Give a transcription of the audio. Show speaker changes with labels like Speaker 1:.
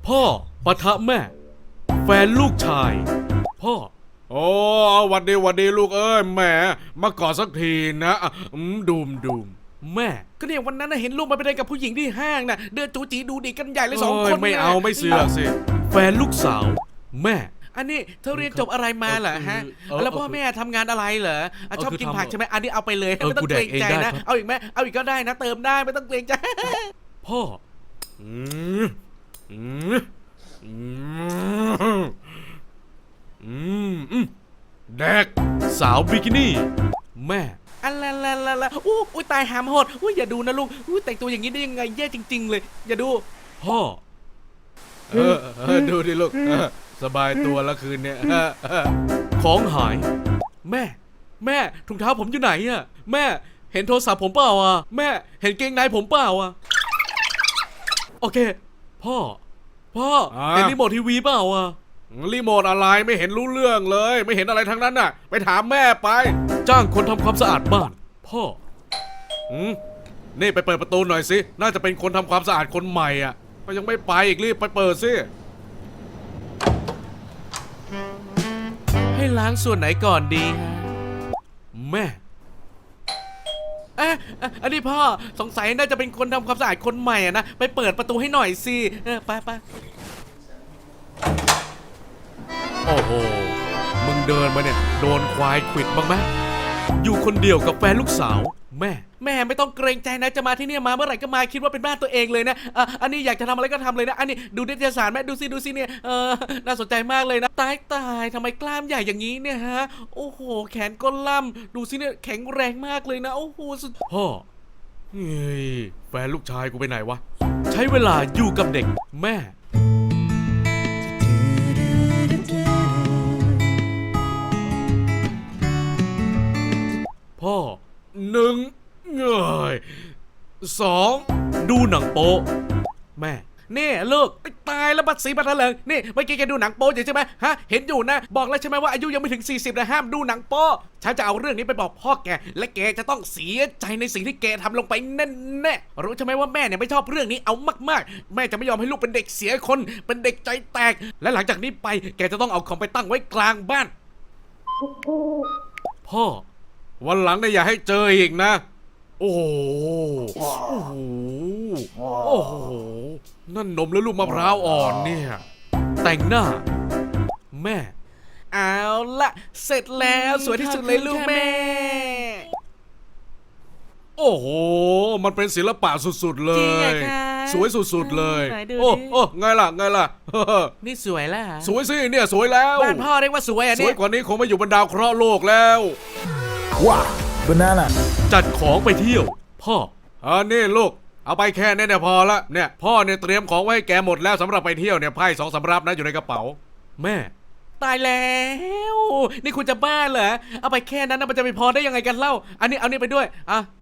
Speaker 1: พ่อปะทะแม่ แฟนลูกชาย พ่อโอ้วันดีลูกเอ้ยแหมมากอดสักทีนะดูมแม่ก็เนี่ยวันนั้นเห็นลูกมาไปเดินกับผู้หญิงที่ห้างน่ะเดินจูจีดูดีกันใหญ่เลยสองคนไม่เอาไม่เสือกสิแฟนลูกสาวแม่อันนี้เธอเรียนจบอะไรมาเหรอฮะแล้วพ่อแม่ทำงานอะไรเหรอชอบกินผักใช่ไหมอันนี้เอาไปเลยไม่ต้องเกรงใจนะเอาอีกไหมเอาอีกก็ได้นะเติมได้ไม่ต้องเกรงใจพ่อแดกสาวบิกินี่แม่อัลลาอุ้ยตายหามโหดอุ้ยอย่าดูนะลูกอุ้ยแต่งตัวอย่างนี้ได้ยังไงแย่จริงๆเลยอย่าดูพ่อดูดิลูกสบายตัวละคืนเนี่ยของหายแม่ถุงเท้าผมอยู่ไหนอะแม่เห็นโทรศัพท์ผมเปล่าอ่ะแม่เห็นเกงในผมเปล่าอ่ะโอเคพ่อเห็นรีโมททีวีเปล่าอ่ะรีโมทอะไรไม่เห็นรู้เรื่องเลยไม่เห็นอะไรทั้งนั้นน่ะไปถามแม่ไปจ้างคนทำความสะอาดบ้านพ่อนี่ไปเปิดประตูหน่อยสิน่าจะเป็นคนทำความสะอาดคนใหม่อ่ะก็ยังไม่ไปอีกรีบไปเปิดสิให้ล้างส่วนไหนก่อนดีฮะแม่อันนี้พ่อสงสัยน่าจะเป็นคนทำความสะอาดคนใหม่อ่ะนะไปเปิดประตูให้หน่อยสิไปโอ้โหมึงเดินมาเนี่ยโดนควายขวิดบ้างไหมอยู่คนเดียวกับแฟนลูกสาวแม่ไม่ต้องเกรงใจนะจะมาที่นี่มาเมื่อไหร่ก็มาคิดว่าเป็นบ้านตัวเองเลยนะอันนี้อยากจะทำอะไรก็ทำเลยนะอันนี้ดูนิตยสารแม่ดูสิเนี่ยน่าสนใจมากเลยนะตายทำไมกล้ามใหญ่อย่างนี้เนี่ยฮะโอ้โหแขนก็ล่ำดูสิเนี่ยแข็งแรงมากเลยนะโอ้โหสุดพ่อเฮ้ยแฟนลูกชายกูไปไหนวะใช้เวลาอยู่กับเด็กแม่พ่อ1เงย2ดูหนังโป๊แม่นี่ลูกตายแล้วบัดสีบัดเถลิงนี่เมื่อกี้แกดูหนังโป๊อยู่ใช่ไหมฮะเห็นอยู่นะบอกแล้วใช่ไหมว่าอายุยังไม่ถึง40นะห้ามดูหนังโป๊ฉันจะเอาเรื่องนี้ไปบอกพ่อแกและแกจะต้องเสียใจในสิ่งที่แกทำลงไปแน่รู้ใช่ไหมว่าแม่เนี่ยไม่ชอบเรื่องนี้เอามากๆแม่จะไม่ยอมให้ลูกเป็นเด็กเสียคนเป็นเด็กใจแตกและหลังจากนี้ไปแกจะต้องเอาคอมไปตั้งไว้กลางบ้านพ่อวันหลังเนี่ยอย่าให้เจออีกนะโอ้โหนั่นนมและลูกมะพร้าวอ่อนเนี่ยแต่งหน้าแม่เอาละเสร็จแล้วสวยที่สุดเลยลูกแม่โอ้โหมันเป็นศิลปะสุดๆเลยสวยสุดๆเลยโอ้ไงล่ะ
Speaker 2: นี่สวยแล้ว
Speaker 1: สวยสิเนี่ยสวยแล้ว
Speaker 2: บ้านพ่อเรียกว่าสวยอ่ะเนี่ย
Speaker 1: สวยกว่านี้คงไม่อยู่บนดาวเคราะห์โลกแล้ว
Speaker 3: ว้าบานาน่า
Speaker 1: จัดของไปเที่ยวพ่อนี่ลูกเอาไปแค่นี้เนี่ยพอละเนี่ยพ่อเนี่ยเตรียมของไว้ให้แกหมดแล้วสำหรับไปเที่ยวเนี่ยไพ่2 สำรับนะอยู่ในกระเป๋าแม่ตายแล้วนี่คุณจะบ้าเหรอเอาไปแค่นั้นนะมันจะไปพอได้ยังไงกันเล่าอันนี้เอานี่ไปด้วย